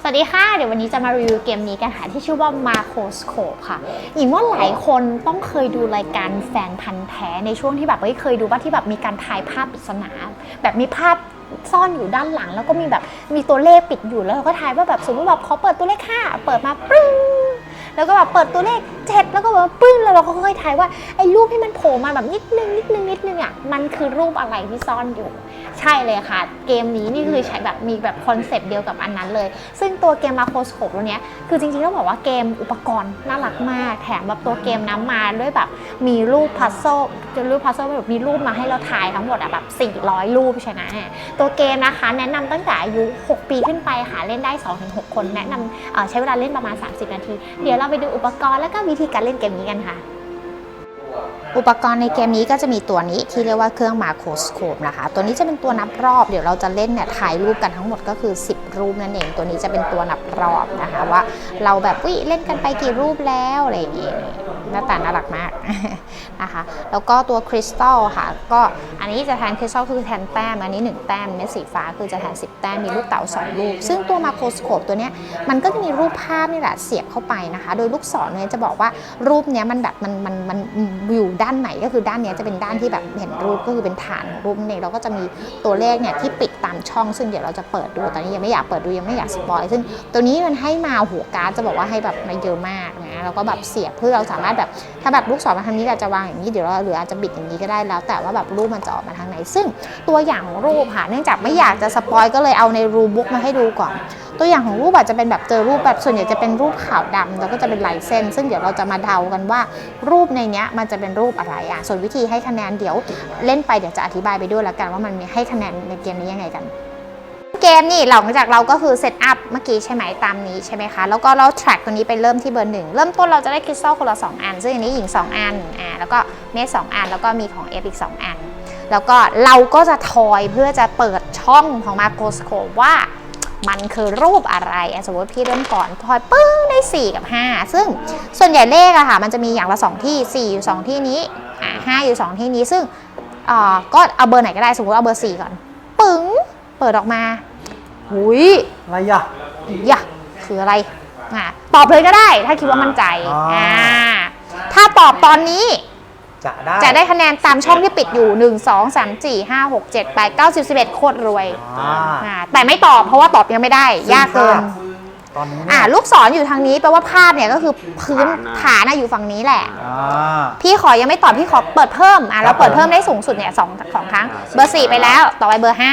สวัสดีค่ะเดี๋ยววันนี้จะมารีวิวเกมนี้กันค่ะที่ชื่อว่า Macroscope ค่ะหญิงว่าหลายคนต้องเคยดูรายการแฟนพันธ์แท้ในช่วงที่แบบเคยดูว่าที่แบบมีการถ่ายภาพปริศนาแบบมีภาพซ่อนอยู่ด้านหลังแล้วก็มีตัวเลขปิดอยู่แล้วเราก็ถ่ายว่าแบบสมมติแบบเขาเปิดตัวเลข5เปิดมาปึ้งแล้วก็แบบเปิดตัวเลข7แล้วก็แบบปึ้งแล้วเราก็ค่อยๆถ่ายว่าไอ้รูปที่มันโผล่มาแบบนิดนึงอ่ะมันคือรูปอะไรที่ซ่อนอยู่ใช่เลยค่ะเกมนี้นี่คือใช้แบบมีแบบคอนเซปต์เดียวกับอันนั้นเลยซึ่งตัวเกม Macroscope ตัวเนี้ยคือจริงๆต้องบอกว่าเกมอุปกรณ์น่ารักมากแถมแบบตัวเกมน้ำมาด้วยแบบมีรูปพัซเซิลแบบมีรูปมาให้เราถ่ายทั้งหมดอะแบบ400รูปใช่ไหมตัวเกมนะคะแนะนำตั้งแต่อายุ6ปีขึ้นไปค่ะเล่นได้ 2-6 คนแนะนำใช้เวลาเล่นประมาณ30นาทีเดี๋ยวเราไปดูอุปกรณ์และก็วิธีการเล่นเกมนี้กันค่ะอุปกรณ์ในเกมนี้ก็จะมีตัวนี้ที่เรียกว่าเครื่อง Macroscope นะคะตัวนี้จะเป็นตัวนับรอบเดี๋ยวเราจะเล่นเนี่ยถ่ายรูปกันทั้งหมดก็คือ10รูปนั่นเองตัวนี้จะเป็นตัวนับรอบนะคะว่าเราแบบเล่นกันไปกี่รูปแล้วอะไรอย่างงี้หน้าตาน่ารักมากนะคะแล้วก็ตัวคริสตัลค่ะก็อันนี้จะแทนคริสตัลคือแทนแต้มอันนี้1แต้มเม็ดสีฟ้าคือจะแทน10แต้มมีลูกเต๋า2ลูกซึ่งตัว Macroscope ตัวเนี้ยมันก็จะมีรูปภาพนี่แหละเสียบเข้าไปนะคะโดยลูกศรเนี่ยจะบอกว่ารูปเนี้ยมันแบบมันอยู่ด้านไหนก็คือด้านนี้จะเป็นด้านที่แบบเห็นรูปก็คือเป็นฐานของรูปเนี่ยเราก็จะมีตัวเลขเนี่ยที่ปิดตามช่องซึ่งเดี๋ยวเราจะเปิดดูตอนนี้ยังไม่อยากเปิดดูยังไม่อยากสปอยซึ่งตัวนี้มันให้มาหัวการ์ดจะบอกว่าให้แบบมาเยอะมากนะแล้วก็แบบเสียบเพื่อเราสามารถแบบถ้าแบบลูกศรมาทางนี้เราจะวางอย่างนี้เดี๋ยวเราหรืออาจจะบิดอย่างนี้ก็ได้แล้วแต่ว่าแบบรูปมันจะออกมาทางไหนซึ่งตัวอย่างของรูปค่ะเนื่องจากไม่อยากจะสปอยก็เลยเอาในรูปบุ๊กมาให้ดูก่อนตัวอย่างของรูปอาจจะเป็นแบบเจอรูปแบบส่วนใหญ่จะเป็นรูปขาวดำแล้วก็จะเป็นลายเส้นซึ่งเดี๋ยวเราจะมาเดากันว่ารูปในนี้มันจะเป็นรูปอะไรอ่ะส่วนวิธีให้คะแนนเดี๋ยวเล่นไปเดี๋ยวจะอธิบายไปด้วยแล้วกันว่ามันมีให้คะแนนในเกมนี้ยังไงกันเกมนี่หลังจากเราก็คือเซตอัพเมื่อกี้ใช่ไหมตามนี้ใช่ไหมคะแล้วก็เราแทร็กตัวนี้ไปเริ่มที่เบอร์1เริ่มต้นเราจะได้คริสตัลคนละ2อันซึ่งอันนี้หญิง2อันแล้วก็เมฆ2อันแล้วก็มีของเอฟอีก2อันแล้วก็เราก็จะทอยเพื่อจะเปิดช่องของ Macroscope ว่ามันคือรูปอะไรสมมติพี่เริ่มก่อนพอยปึ้งได้4กับ5ซึ่งส่วนใหญ่เลขอะค่ะมันจะมีอย่างละ2ที่4อยู่2ที่นี้5อยู่2ที่นี้ซึ่งก็เอาเบอร์ไหนก็ได้สมมติเอาเบอร์4ก่อนปึ้งเปิดออกมาหุยอะไรอ่ะคืออะไรตอบเลยก็ได้ถ้าคิดว่ามั่นใจถ้าตอบตอนนี้จะได้คะแนนตามช่องที่ปิดอยู่1 2 3 4 5 6 7 8 9 10 11โคตรรวยแต่ไม่ตอบเพราะว่าตอบยังไม่ได้ยากเกินตอนนี้ลูกศรอยู่ทางนี้แปลว่าภาพเนี่ยก็คือพื้นฐานอยู่ฝั่งนี้แหละพี่ขอยังไม่ตอบพี่ขอเปิดเพิ่มแล้วเปิดเพิ่มได้สูงสุดเนี่ยสองครั้งเบอร์4ไปแล้วต่อไปเบอร์5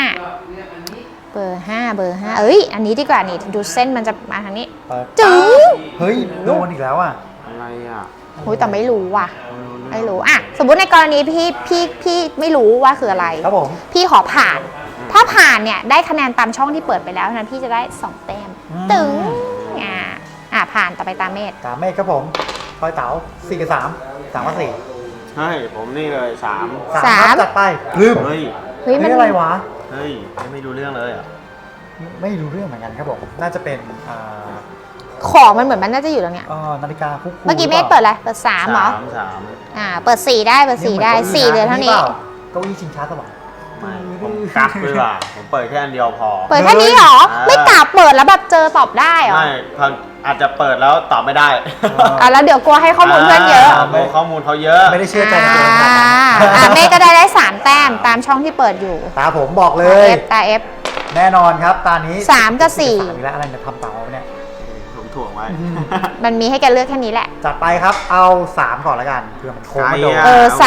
เอ้ยอันนี้ดีกว่านี่ดูเส้นมันจะมาทางนี้จึ๊งเฮ้ยโดนอีกแล้วอะไรโอ้ยแต่ไม่รู้ว่ะไม่รู้สมมติในกรณีพี่ไม่รู้ว่าคืออะไรครับผมพี่ขอผ่านถ้าผ่านเนี่ยได้คะแนนตามช่องที่เปิดไปแล้วนั้นพี่จะได้2แต้มตึงผ่านต่อไปตามเมฆครับผมพลอยเต๋า4 กับ 3 3 กับ 4 เฮ้ยผมนี่เลย3 จัดไปลืมเฮ้ยมันอะไรวะเฮ้ยไม่รู้เรื่องเลยไม่รู้เรื่องเหมือนกันครับผมน่าจะเป็นของมันเหมือนมันน่าจะอยู่ตรงเนี้ยนาฬิกาคุกเมื่อกี้เมฆเปิดอะไรเปิด3เหรอเปิด4ได้เปิด4ได้4เหลือเท่านี้เก้าอี้ชิงช้าสวรรค์ผมกักเลยว่ะผมเปิดแค่อันเดียวพอเปิดแค่นี้เหรอไม่กลับเปิดแล้วแบบเจอตอบได้เหรอไม่อาจจะเปิดแล้วตอบไม่ได้แล้วเดี๋ยวกลัวให้ข้อมูลเพื่อนเยอะข้อมูลเขาเยอะไม่ได้เชื่อใจตัวเองเมฆก็ได้3แต้มตามช่องที่เปิดอยู่ตาผมบอกเลยตา F แน่นอนครับตานี้ 3 กับ4 แล้วอะไรจะทำเต๋าเนี่ยผมถ่วงไว้มันมีให้แกเลือกแค่นี้แหละจัดไปครับเอา3ก่อนละกันเพื่อมันโค้งมาโดน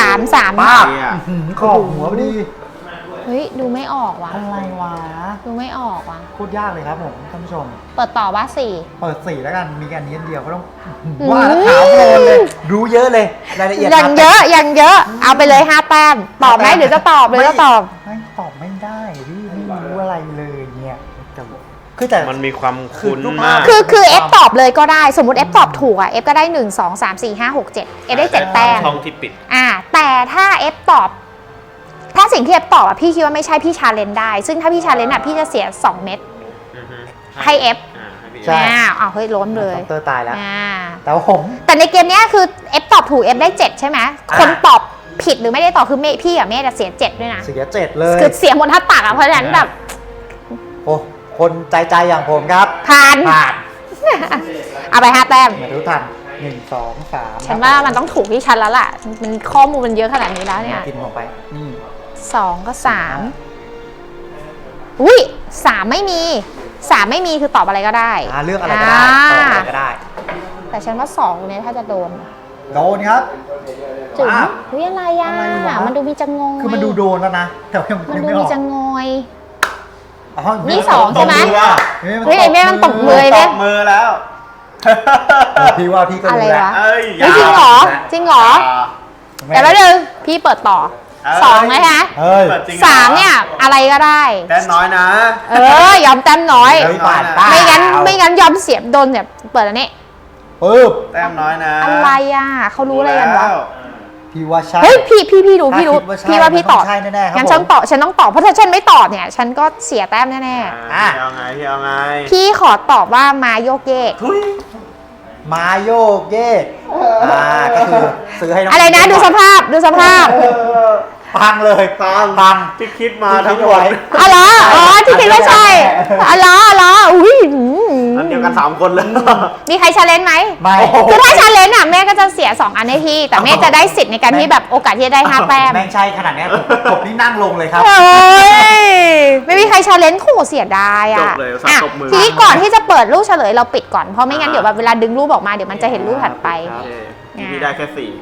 3 ป้าขอบหัวพอดีเฮ้ยดูไม่ออกว่ะอะไรวะดูไม่ออกว่ะโคตรยากเลยครับผมท่านผู้ชมเปิดต่อว่า 4เปิด4แล้วกันมีกันนี้เดียวก็ต้องว่าแล้วถามโดนเลยรู้เยอะเลยรายละเอียดยังเยอะเอาไปเลย5แต้มตอบไหมหรือจะตอบไม่ตอบไม่ได้พี่ไม่รู้อะไรเลยเนี่ยคือแต่มันมีความคุ้นมากคือ F ตอบเลยก็ได้สมมติ F ตอบถูกF ก็ได้1 2 3 4 5 6 7 F ได้7แต้มช่องที่ปิดแต่ถ้า F ตอบถ้าสิ่งที่ F ตอบพี่คิดว่าไม่ใช่พี่ชาเลนจ์ได้ซึ่งถ้าพี่ชาเลนจ์พี่จะเสีย2เม็ดให้ F ใช่เฮ้ยล้มเลยเตอร์ตายแล้วแต่ในเกมนี้คือ F ตอบถูก F ได้7ใช่ไหมคนตอบผิดหรือไม่ได้ตอบคือพี่กับเมฆจะเสีย7ด้วยนะเสีย7เลยคือเสียหมดท่าตักเพราะฉะนั้นแบบโอ้คนใจอย่างผมครับผ่านผ่านเอาไป5 แต้มมาดูทัน1 2 3 ฉันว่ามันต้องถูกที่ฉันแล้วล่ะ มันข้อมูลมันเยอะขนาดนี้แล้วเนี่ยกินผมไปนี่ 2 ก็ 3 อุ้ย3ไม่มี3ไม่มีคือตอบอะไรก็ได้เลือกอะไรก็ได้ตอบอะไรก็ได้แต่ฉันว่า2ตรงนี้ถ้าจะโดนโดนครับจุ๋มอ่ะอุ้ยอะไรอ่ะอะไรวะมันดูมีจังงอยคือมันดูโดนแล้วนะแต่ว่ามันยังดูไม่อมีอกจังงอยอ๋อนี่สองใช่ไหมตบมือว่ะเฮ้ยไอ้แม่มันตบมือตบมือแล้วพี่ว่าพี่ก็อะไรรู้แล้ววะเอ้ยเฮ้ยจริงเหรอจริงเหรอแต่แล้วนึงพี่เปิดต่อ2นะคะเฮ้ยปิดจริงหรอ 3เนี่ยอะไรก็ได้แต้มน้อยนะยอมแต้มน้อยเฮ้ยผ่านเปล่าไม่งั้นยอมเสียบโดนเนี่ยเปิดอันนี้ปึ๊บแต้มน้อยนะอะไรอ่ะเขารู้อะไรกันวะพี่ว่าใช่เฮ้ยพี่รู้ถ้าพี่รู้คิดว่าใช่พี่ว่าพี่ตอบมันต้องใช่แน่ๆครับงั้นฉันผมตอบฉันต้องตอบเพราะถ้าฉันไม่ตอบเนี่ยฉันก็เสียแต้มแน่อ่ะพี่เอาไงพี่เอาไงๆพี่ขอตอบว่ามาโยกเยกทุยมาโยกเยกก็คือซื้อให้น้องอะไรนะดูสภาพดูสภาพพังเลยฟังที่คิดมาทั้งหมดอ๋อเหรออ๋อที่คิดว่าใช่อ๋อเหรออุ้ยอันเดียวกัน3 คนเลยมีใครชาเลนจ์ไหมไม่คือถ้าชาเลนจ์อ่ะแม่ก็จะเสีย2 อันให้พี่ แต่แม่จะได้สิทธิ์ในการที่แบบโอกาสที่จะได้5 แต้มแม่งใช่ขนาดเนี้ยผมนี่นั่งลงเลยครับเฮ้ยไม่มีใครชาเลนจ์ขู่เสียดายจอ่ะบเลยอ่ะตบมือทีนี้ก่อนที่จะเปิดรูปเฉลยเราปิดก่อนเพราะไม่งั้นเดี๋ยวแบบเวลาดึงรูปออกมาเดี๋ยวมันจะเห็นรูปถัดไปโอเคพี่ได้แค่4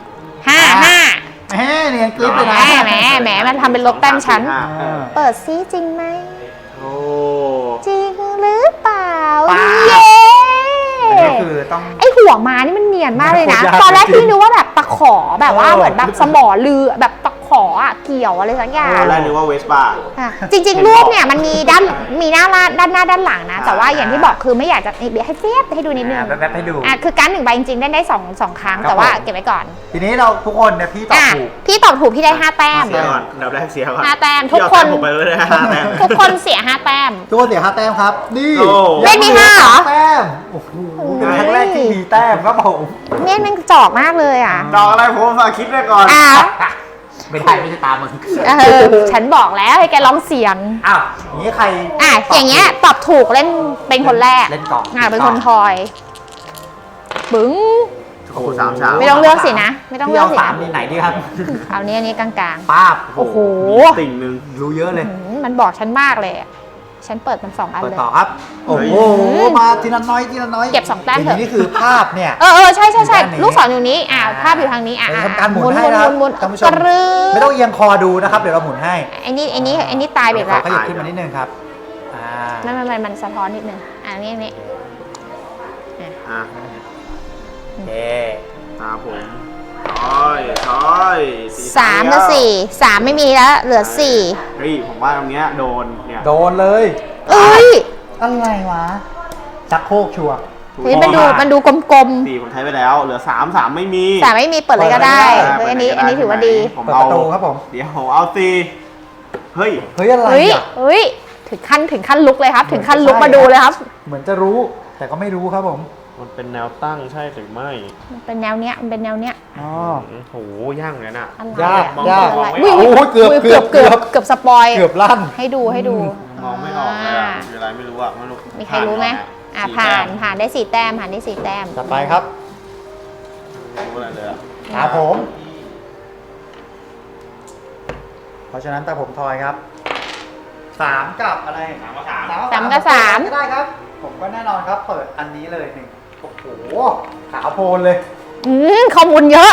5 แหมเนียนกริ๊บเลยนะแหมมันทำเป็นลบแต้มชั้นอ่าเปิดซิจริงไหมโอ้จริงหรือเปล่าเปล่าเย้อันนี้คือต้องไอหัวม้านี่มันเนียนมากเลยนะโคตรยากตอนแรกจริงพี่นึกว่าแบบตะขอแบบว่าเออเหมือนแบบสมอเรือแบบตะขออะเกี่ยวอะไรสักอย่างตอนแรกนึกว่าเวสป้าอ่ะจริงๆรูปเนี่ยมันมีด้านหน้าด้านหน้าด้านหลังนะ แต่ว่าอย่างที่บอกคือไม่อยากจะเดี๋ยวให้เฟียบให้ดูนิดนึงแป๊บๆให้ดูอ่ะคือการ1 ใบจริงๆได้2 ครั้งครับแต่ว่าผมเก็บไว้ก่อนทีนี้เราทุกคนเนี่ยพี่ตอบอ่ะถูกพี่ตอบถูกพี่ได้5 แต้มเสียก่อนเดี๋ยวแรกเสียก่อน 5 แต้มพี่ทุกเอาคแต้นมผมไปเลยนะ5 แต้มทุกคนเสีย5 แต้มทุกคนเสีย5 แต้มครับ นี่โอ้ไม่มี5เหรอแต้มโอ้โหเป็นครั้งแรกที่มีแต้มครับผมเม่นมันจอกมากเลยอ่ะดอกอะไรผมฝากคิดไว้ก่อนอ้าวไม่ได้ไม่ใช่ตามมึงฉันบอกแล้วให้แกร้องเสียงอ้าวอย่างนี้ใครอ่ะอย่างเงี้ยตอบถูกเล่นเป็นคนแรกเล่นกล่องเป็นคนทอยบึ้งโอ้โห3 ชามไม่ต้องเลือกสินะ ไม่ต้องพี่เลือกเอาสิสามนี่ไหนดีครับเอานี้อันนี้กลางป้าบโอ้โหมีติ่งหนึงรู้เยอะเลยๆมันบอกฉันมากเลยอะฉันเปิดมัน2 อันเปิดเลยต่อครับ โอ้โห มาทีละน้อยทีละน้อยเก็บ2 แต้มเถอะย่างนี้นี่คือภาพเนี่ยใช่อยู่ด้านนี้ลูกศรอยู่นี้ภาพอยู่ทางนี้เดี๋ยวทำการหมุนให้หนะครับมุนท่านผู้ชกมระรืบไม่ต้องเอียงคอดูนะครับ เดี๋ยวเราหมุนให้ไอ้นี่ตายไปเดี๋ยวแล้วขยับขึ้นมานิดนึงครับมันสะท้อนนิดนึงนี่อ่ะโอเคตามผมช้อย 3 กับ 4 3ไม่มีแล้วเหลือ 4 เฮ้ยผมว่าตรงเนี้ยโดนเนี่ยโดนเลยเอ้ยอะไรวะชักโครกชัวร์เฮ้ยมันดูกลม 4ผมใช้ไปแล้วเหลือ3ไม่มีๆแต่ไม่มีเปิดเลยก็ได้เปิดเฮ้ยเลยอันนี้ถือว่าดีผมเปิดเอาประตูครับผมเดี๋ยวผมเอา4เฮ้ยเฮ้ยอะไรเฮ้ยอ่ะเฮ้ยถึงขั้นลุกเลยครับ ถึงขั้นลุกใช่มาดูเลยครับเหมือนจะรู้ แต่ก็ไม่รู้ครับผมมันเป็นแนวตั้งใช่หรือไม่มันเป็นแนวเนี้ยอ๋อโอ้โหย่างเลยน่ะอะไรยากอะยากอะไรโอ้อุ้ยโอ้ยเกือบสปอยเกือบลั่นให้ดูมองไม่ออกเลยอ่ะคืออะไรไม่รู้อ่ะไม่รู้มีใครรู้ไหมผ่านได้4 แต้มผ่านได้4 แต้มต่อไปครับรู้อะไรเลยอ่ะตาผม เพราะฉะนั้นตาผมทอยครับ3กับอะไร 3 กับ 3 ก็ได้ครับ ผมก็แน่นอนครับ เปิดอันนี้เลย1โอ้โหขาวโพลนเลยข้อมูลเยอะ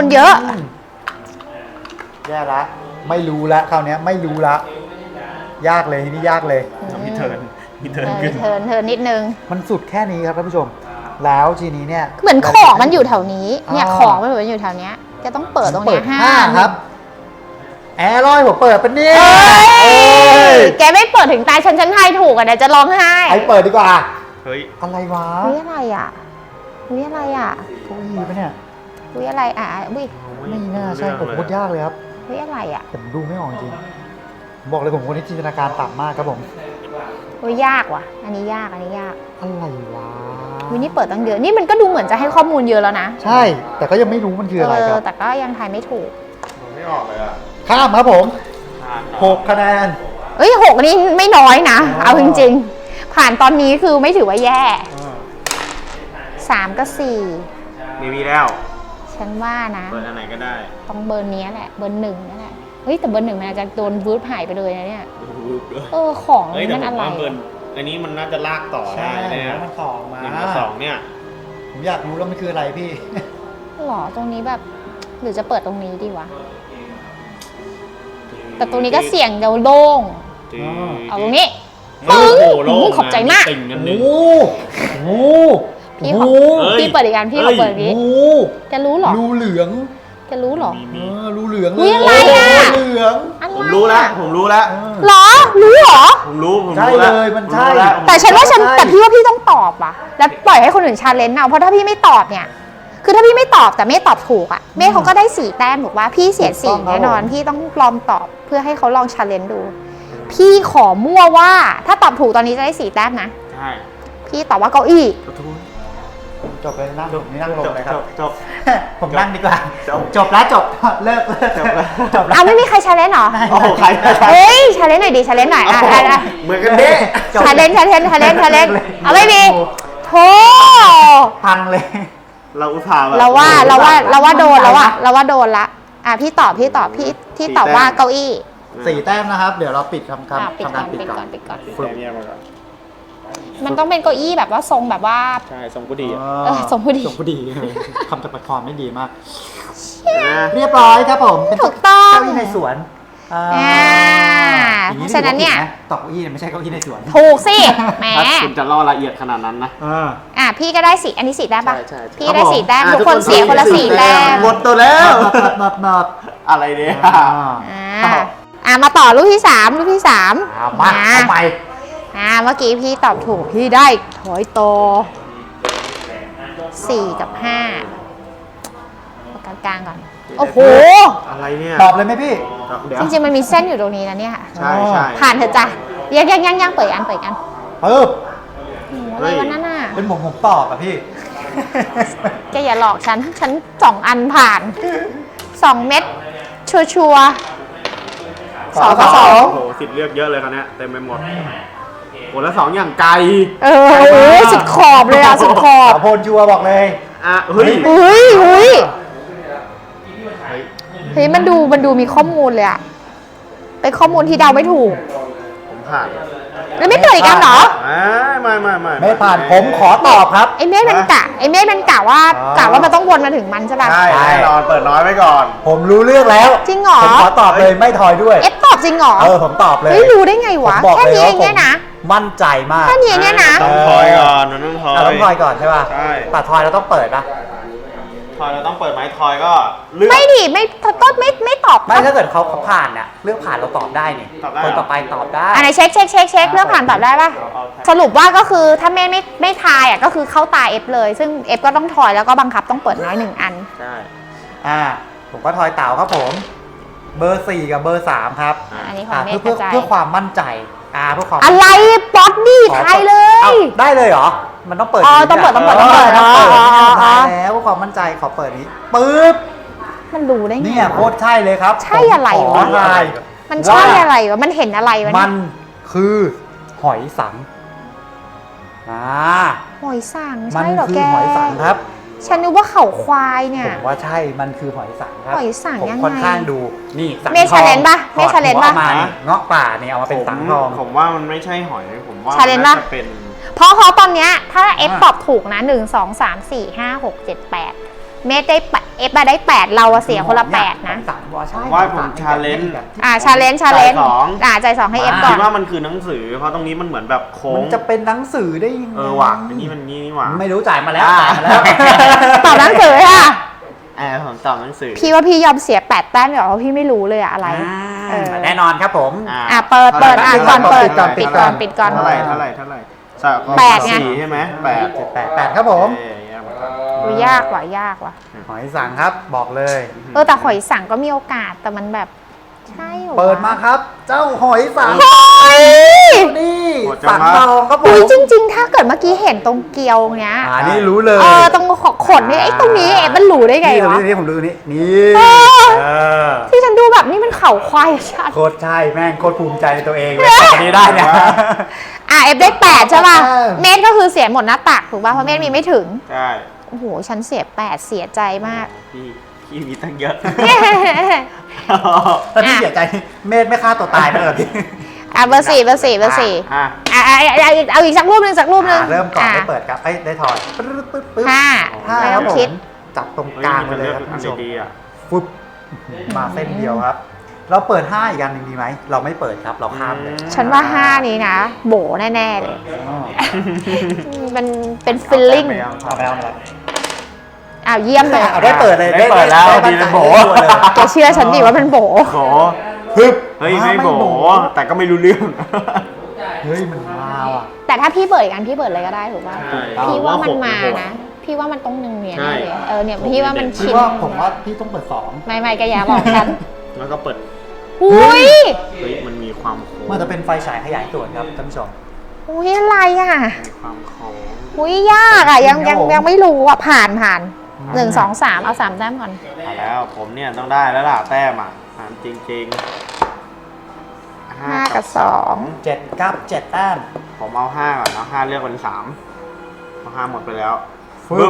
แย่ละไม่รู้ละคราวเนี้ยไม่รู้ละยากเลยทีนี้ยากเลยมีเทิร์นขึ้นเทินนิดนึงมันสุดแค่นี้ครับท่านผู้ชม แล้วทีนี้เนี่ยเหมือนของมันอยู่แถวนี้ เนี่ยอ่าของมันเหมือนอยู่แถวเนี้ยจะต้องเปิดตรงเปิเนี้ดย 5ครับ แอร์ลอยผมเปิดเป็นนี่เอ้ยแกไม่เปิดถึงตายฉันทายถูกอ่ะเดี๋ยวจะร้องไห้ไอเปิดดีกว่าเฮ้ยอะไรวะอุ้ยอะไรอ่ะเก้าอี้ปะเนี่ยอุ้ยอะไรอ่ะอุ้ยไม่น่าใช่ผมพูดยากเลยครับอุ้ยอะไรอ่ะผมดูไม่ออกจริงผมบอกเลยผมคนนี้จินตนาการต่ำมากครับผมอุ้ยยากว่ะ อันนี้ยากอะไรวะอุ้ยนี่เปิดตั้งเยอะนี่มันก็ดูเหมือนจะให้ข้อมูลเยอะแล้วนะใช่ แต่ก็ยังไม่รู้มันคืออะไรครับแต่ก็ยังทายไม่ถูกไม่ออกเลยอ่ะข้ามครับผม6 คะแนนเอ้ย6นี่ไม่น้อยนะ เอาจริงๆผ่านตอนนี้คือไม่ถือว่าแย่3กับ4 ไม่มีแล้วฉันว่านะเปิดอันไหนก็ได้ต้องเบอร์นี้แหละเบอร์1นั่นแหละเฮ้ยแต่เบอร์1มันอาจจะโดนบูทหายไปเลยนะเนี่ยของเฮ้ยแต่มันผอะมไรว่าเบิร์นอันนี้มันน่าจะลากต่อใช่ได้เนี่ยมันต่อมา 1กับ2เนี่ยผมอยากรู้แล้วมันคืออะไรพี่หรอตรงนี้แบบหรือจะเปิดตรงนี้ดีวะแต่ตรงนี้ก็เสี่ยงจะโล่งเอาตรงนี้โอ้โหโล่งขอบใจมากติ่งกันหนึ่งโอ้โหพี่ขอเอ้ยพี่เปิดอีกอันพี่ขอเปิดอีกนี้โอ้จะรู้เหรอรูเหลืองจะรู้เหรอรูเหลืองอุ๊ยอะไรอะรูเหลืองอะไรผมรู้แล้ว ผมรู้แล้วเหรอรู้เหรอผมรู้ใช่รู้แล้วเลยมันใช่ผรู้แล้วแต่ฉันว่าฉันใช่แต่พี่ว่าพี่ต้องตอบว่ะแล้วปล่อยให้คนอื่นชาเลนจ์เอาเพราะถ้าพี่ไม่ตอบเนี่ย คือถ้าพี่ไม่ตอบแต่เมฆตอบถูกอ่ะเมฆเขาก็ได้4 แต้มถูกว่าพี่เสีย4แน่นอนพี่ต้องลองตอบเพื่อให้เขาลองชาเลนจ์ดู พี่ขอมั่วว่าถ้าตอบถูกตอนนี้จะได้4 แต้มนะใช่พี่ตอบว่าเก้าอี้จบเลยนั่งผมนี่นั่งลงเลยครับจบผมนั่งดีกว่าจบจบแล้วจบเลิกจบแล้วจบแล้วเอาไม่มีใครชาเลนจ์เหรอโอ้โหใครเฮ้ยชาเลนจ์หน่อยดิชาเลนจ์หน่อยอ่ะอ่ะอ่ะเหมือนกันเด้จบชาเลนจ์เอาไม่มีโธ่พังเลยเราอุตส่าห์แบบเราว่าโดนแล้วอะเราว่าโดนละอ่ะพี่ตอบพี่ตอบว่าเก้าอี้ 4 แต้มนะครับ เดี๋ยวเราปิดทำอ่ะปิดทำก่กาอรนปิดปิดก่ก่ออน นปิดก่อนฝึกแยกมาก่อนมันต้องเป็นเก้าอี้แบบว่าทรงแบบว่าใช่ทรงผู้ดีอะทรงผู้ดีส่งผู้ดีคำตะปัดคอไม่ดีมากนะเรียบร้อยครับผมเป็นถูกต้องเก้าอี้ในสวนอ่าเพราะฉะนั้นเนี่ยตอบเก้าอี้ไม่ใช่เก้าอี้ในสวนถูกสิแหมถ้าคุณจะล่อละเอียดขนาดนั้นนะอ่ะพี่ก็ได้4อันนี้4แต้มปะใช่พี่ได้4แต้มอ่ะทุกคนเสียคนละ4แต้มหมดตัวแล้วนับอะไรเนี่ยอ่ะมาต่อลูกที่3ลูกที่3 มาเอาไปเมื่อกี้พี่ตอบถูกพี่ได้ถอยโต4กับ5เอากลางๆก่อนโอ้โหอะไรเนี่ยตอบเลยไหมพี่เดี๋ยวจริงๆมันมีเส้นอยู่ตรงนี้นะเนี่ยใช่ใช่ผ่านเถอะจ้ะยังเปิดอันปึ๊บอะไรวะนั่นน่ะเป็นผมตอบอะพี่แกอย่าหลอกฉัน2 อันผ่าน 2 เม็ดชัวร์ๆ2 กับโอ้โหสิทธิ์เลือกเยอะเลยคราวเนี้ยเต็มไปหมดโอ้แล้ว2อย่างไกล 2โอ้ยสุดขอบเลยอ่ะสุดขอบสาวโพลชัวร์บอกเลยอ่ะเฮ้ยเฮ้ยมันดูมีข้อมูลเลยอ่ะเป็นข้อมูลที่เดาไม่ถูกผมผ่านแล้วไม่เปิดอีกอันเหรอไม่ไม่ผ่านผมขอตอบครับไอ้เมฆมันกะว่าอ๋อกะว่ามันต้องวนมาถึงมันใช่ป่ะใช่แน่นอนเปิดน้อยไว้ก่อนผมรู้เรื่องแล้วจริงเหรอผมขอตอบเลยไม่ทอยด้วยเอฟตอบจริงเหรอผมตอบเลยเฮ้ยรู้ได้ไงผมวะบอกแค่เลยนี้เอว่าง ผมเนี่ยนะมั่นใจมากแค่นี้เนี่ยนะต้องทอยก่อนมันต้องทอยต้องทอยก่อนใช่ป่ะใช่แต่ทอยเราต้องเปิดป่ะทอยเราต้องเปิดไหมทอยก็เลือกไม่ดิก็ไม่ตอบไม่ถ้าเกิดเขาผ่านเนี่ยเรื่องผ่านเราตอบได้นี่ตอบได้คนต่อไปตอบได้อันไหนเช็คเรื่องผ่านตอบได้ป่ะเอาสรุปว่าก็คือถ้าไม่ทายอ่ะก็คือเข้าตาเอฟเลย ซึ่งเอฟก็ต้องถอยแล้วก็บังคับต้องเปิดน้อย1 อันใช่ผมก็ทอยเต่าครับผม เบอร์ 4 กับเบอร์ 3 ครับอันนี้ของเมฆกเพื่อระจายเพื่อความมั่นใจเพื่อความอะไรป๊อตดี้ทายเลเอ้าย ได้เลยเหรอ มันต้องเปิดอ๋อนี้ต้องเปิดนี่ยต้องเปิดต้องเปิดต้องเปิดอ๋อได้แล้วเพื่อความมั่นใจขอเปิดนี้ปึ๊บมันรู้ได้ไงเนี่ยโคตรใช่เลยครับใช่อะไรผมขวะทายมันใช่อะไรวะมันเห็นอะไรวะมัเนี่ยนคือหอยสังหอยสังมันใช่เหรอคืแกหอยสังครับฉันนึกว่าเขาควายเนี่ผยมว่าใช่ มันคือหอยสังครับหอยสังผมยังไงค่อนข้างดู นี่สังเมฆทอง challenge ปะเมฆถอด challenge หัวปะออกมานี่เงาะป่าเนี่ยเอามาเป็นสังทองผมว่ามันไม่ใช่หอยผมว่า Challenge น่าปะจะเป็นเพราะตอนเนี้ยถ้าเอฟตอบถูกนะ1 2 3 4 5 6 7 8เมฆได้เอฟมาได้8เราอะเสียคนละ8นะสังว่าใช่ว่าผมชาเลนจ์ชาเลนจ์จ่ายสองใจ2ให้เอฟก่คิอดนว่ามันคือหนังสือ เพราะตรงนี้มันเหมือนแบบโค้มังนจะเป็นหนังสือได้ยังไงว่ะอันนี้มันนี่หว่าไม่รู้จ่ายมาแล้วจ่ายมาแล้วตอบหนังสือค่ะผมตอบหนังสือพี่ว่าพี่ยอมเสีย8 แต้มเดี๋ยวเพราะพี่ไม่รู้เลยอะอะไรแน่นอนครับผมเปิดก่อนเปิดปิดก่อนปิดก่อนเท่าไหร่สามแปดไง 4ใช่ไหม8 8ครับผมดูยากว่ะหอยสังครับบอกเลยแต่หอยสังก็มีโอกาสแต่มันแบบใใช่หรอเปิดมาครับ เจ้าหอยสังเฮ้ยนี่หมดจังสังวะทองครับผอุ้ยมจริง ๆ ถ้าเกิดเมื่อกี้เห็นตรงเกลียวเนี้ยนี่รู้เลยตรงขดเนี่ยไอ้ตรงนี้มันหลูได้ไงนี่ตรงวะนี้ผมดูนี่นี่เออเออที่ฉันดูแบบนี่มันเข่าควายชัดโคตรใช่แม่งโคตรภูมิใจในตัวเองเลยตอนนี้ได้เนี่ยเอฟได้8ใช่ป่ะเออเมตรก็คือเสียหมดหน้าตักถูกป่ะเพราะเมตรมีไม่ถึงใช่โอ้โหฉันเสีย8เสียใจมากพี่มีตั้งเยอะตอนที่เสียใจเมธไม่ฆ่าตัวตายไปเลยพี่เบอร์สี่อ่ะเอาอีกสักรูปหนึ่งเริ่มก่อนได้เปิดครับได้ถอดปึ๊บปึ๊บปึ๊บห้าห้าไม่คต้รัอบ งผคิดมจับตรงเฮ้ยกลางมีไปแต่เลเลืยอกครับอัท่าน นผู้ชมดีๆอ่ะฟึบมาเส้นเดียวครับ เราเปิด5อีกอันหนึ่งดีไหมเราไม่เปิดครับเราข้ามเลยฉันว่า 5 นี้นะ โบแน่ ๆ เลย มันเป็นฟิลลิ่งเอาไปเอาไปเยี่ยมเลยเอาได้เปิดเลยได้เปิดแล้วได้ดีเลยมั่นใจโบได้ตัวเลยแกเชื่อฉันดิว่ามันโบโบฮึบเฮ้ยไม่โบแต่ก็ไม่รู้เรื่องเฮ้ยมันมาว่ะแต่ถ้าพี่เปิดอีกอันพี่เปิดเลยก็ได้ถูกป่ะใช่พี่ว่ามันมาผมว่าหกนะ พี่ว่ามันต้องหนึ่งเนี่ยใช่แน่เลยเนี่ยพี่ว่ามันพี่ชินว่าผมว่าพี่ต้องเปิด2 ไม่แกอย่าบอกฉันแล้วก็เปิดอุ้ยเฮ้ยมันมีความโค้งมันจะเป็นไฟฉายขยายส่วนครับท่านผู้ชมอุ้ยอะไรอ่ะมีความโค้งอุ้ยยากอ่ะยังครับผมไม่รู้อ่ะผ่าน1 2 3เอา3แต้มก่อนมาแล้วผมเนี่ยต้องได้แล้วล่ะแต้มอ่ะถามจริงๆ 5 กับ 7ครับ7แต้มผมเอา5ก่อนนะ5เลือกเป็น3เพราะ5หมดไปแล้วฟึบ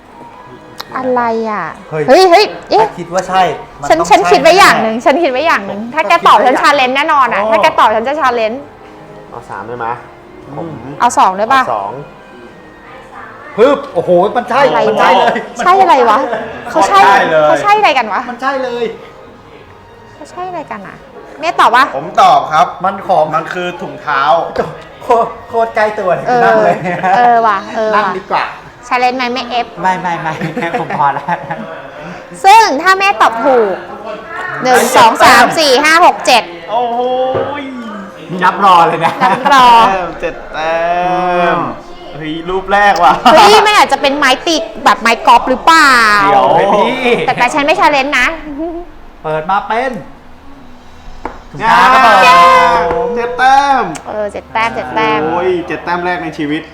2อะไรอ่ะเฮ้ยเฮ้ยเอ๊ะถ้าคิดว่าใช่มัฉันต้องฉันใช่คิดไว้อย่างหแนึ่งฉันคิดไว้อย่างหนึ่งถ้าแกตอบฉันชาเลนจ์แน่นอนอ่ะโอ้ถ้าแกตอบฉันจะชาเลนจ์เอา3ได้ไหมผมเอา2ได้ป่ะเอา2 ฮึบโอ้โหมันใช่อะไรมันวะใช่เลยใช่อะไรวะเขาใช่ใช่เลยเขาใช่อะไรกันวะมันใช่เลยเขาใช่อะไรกันอ่ะเมย์ตอบปะผมตอบครับมันของมันคือถุงเท้าโคตรใกล้ตัวเลยนั่งเลยว่ะนั่งดีกว่าชาเลนจ์ไหมไม่เอฟไม่ผมพอแล้วซึ่งถ้าแม่ตอบถูก1 2 3 4 5 6 7 โอ้โหยมีนับรอเลยนะนับรอแต้ม7 แต้มเฮ้ยรูปแรกว่ะเฮ้ยมันอาจจะเป็นไม้ตีแบบไม้กอล์ฟหรือเปล่าเดี๋ยวเฮ้ยพี่แต่ฉันไม่ชาเลนจ์นะเปิดมาเป็นถุงงาเท้าครับผม 7 แต้ม 7 แต้ม7 แต้มโอ้ย7 แต้มแรกในชีวิต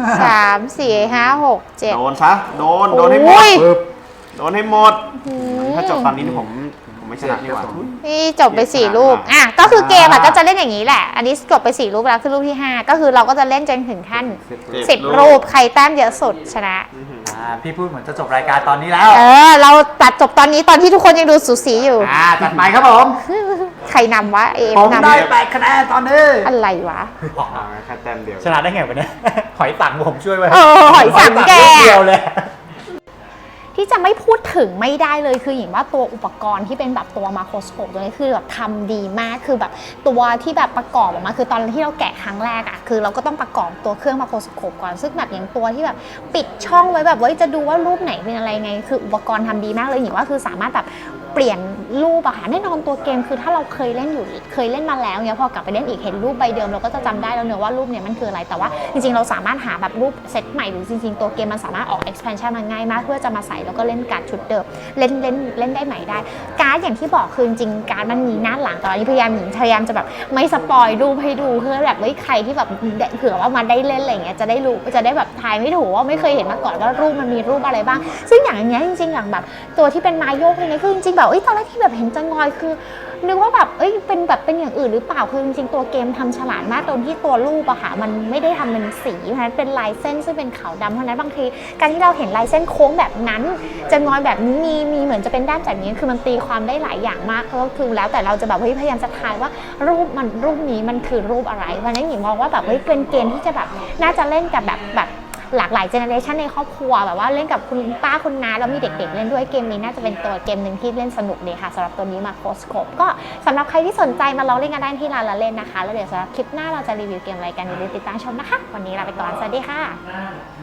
3 4 5 6 7 โดนซะโดนให้หมโอ้ดยปึ๊บโดนให้หมด ถ้าจบตอนนี้ผมไม่ชนะนี่หว่านี่จบไป4รูปก็คือเกมก็จะเล่นอย่างนี้แหละ อันนี้จบไป4รูปแล้วคือรูปที่ 5 ก็คือเราก็จะเล่นจนถึงขั้น10 รูปใครแต้มเยอะสุดชนะพี่พูดเหมือนจะจบรายการตอนนี้แล้วเราตัดจบตอนนี้ตอนที่ทุกคนยังดูสูสีอยู่จัดไปครับผมใครนำวะเอมผมนำได้8คะแนนตอนนี้อะไรวะแค่แต้มเดียวชนะได้ไงวะเนี่ย หอยสังผมช่วยไว้หอยสังแกลูเดียวเลยที่จะไม่พูดถึงไม่ได้เลยคืออย่างว่าตัวอุปกรณ์ที่เป็นแบบตัวมาโครสโคปตัวนี้คือแบบทำดีมากคือแบบตัวที่แบบประกอบออกมาคือตอนที่เราแกะครั้งแรกอะคือเราก็ต้องประกอบตัวเครื่องมาโครสโคปก่อนซึ่งแบบอย่างตัวที่แบบปิดช่องไว้แบบว่าจะดูว่ารูปไหนเป็นอะไรไงคืออุปกรณ์ทำดีมากเลยอย่างว่าคือสามารถแบบเปลี่ยนรูปอะค่ะแน่นอนตัวเกมคือถ้าเราเคยเล่นมาแล้วเนี่ยพอกลับไปเล่นอีกเห็นรูปใบเดิมเราก็จะจำได้แล้วเนอะว่ารูปเนี่ยมันคืออะไรแต่ว่าจริงๆเราสามารถหาแบบรูปเซตใหม่หรือจริงๆตัวเกมมันสามารถออก expansion มันง่ายมากเพื่อจะมาใส่แล้วก็เล่นการ์ดชุดเดิมเล่นได้ใหม่ได้การ์ดอย่างที่บอกคือจริงๆการ์ดมันมีหน้าหลังแต่ตอนนี้พยายามจะแบบไม่สปอยรูปให้ดูเพื่อแบบใครที่แบบเผื่อว่ามาได้เล่นอะไรเงี้ยจะได้รู้จะได้แบบทายไม่ถูกว่าไม่เคยเห็นมาก่อนว่ารูปมันมีรูปอะไรบ้างซึ่งอย่างเงี้ยจริงๆอย่างแบบตัวที่เป็นไม้โยกเนี่ยคือจริงๆแบบตอนแรกที่แบบเห็นจะงอยคือนึกว่าแบบเป็นอย่างอื่นหรือเปล่าคือจริงๆตัวเกมทำฉลาดมากตรงที่ตัวรูปอะค่ะมันไม่ได้ทำเป็นสีเพราะฉะนั้นเป็นลายเส้นซึ่งเป็นขาวดำเพราะฉะนั้นบางทีการที่เราเห็นลายเส้นโค้งแบบนั้นจะงอยแบบนี้มีเหมือนจะเป็นด้านแบบนี้คือมันตีความได้หลายอย่างมากก็คือแล้วแต่เราจะแบบพยายามจะทายว่ารูปนี้มันคือรูปอะไรเพราะฉะนั้นหญิงมองว่าแบบเป็นเกมที่จะแบบน่าจะเล่นกับแบบหลากหลายเจเนอเรชันในครอบครัวแบบว่าเล่นกับคุณป้าคุณน้าแล้วมีเด็กๆเล่นด้วยเกมนี้น่าจะเป็นตัวเกมหนึ่งที่เล่นสนุกเลยค่ะสำหรับตัวนี้มาโคสโคปก็สำหรับใครที่สนใจมาลองเล่นกันได้ที่ร้านละเล่นนะคะแล้วเดี๋ยวสำหรับคลิปหน้าเราจะรีวิวเกมอะไรกันอย่าลืมติดตามชมนะคะวันนี้ลาไปก่อนสวัสดีค่ะ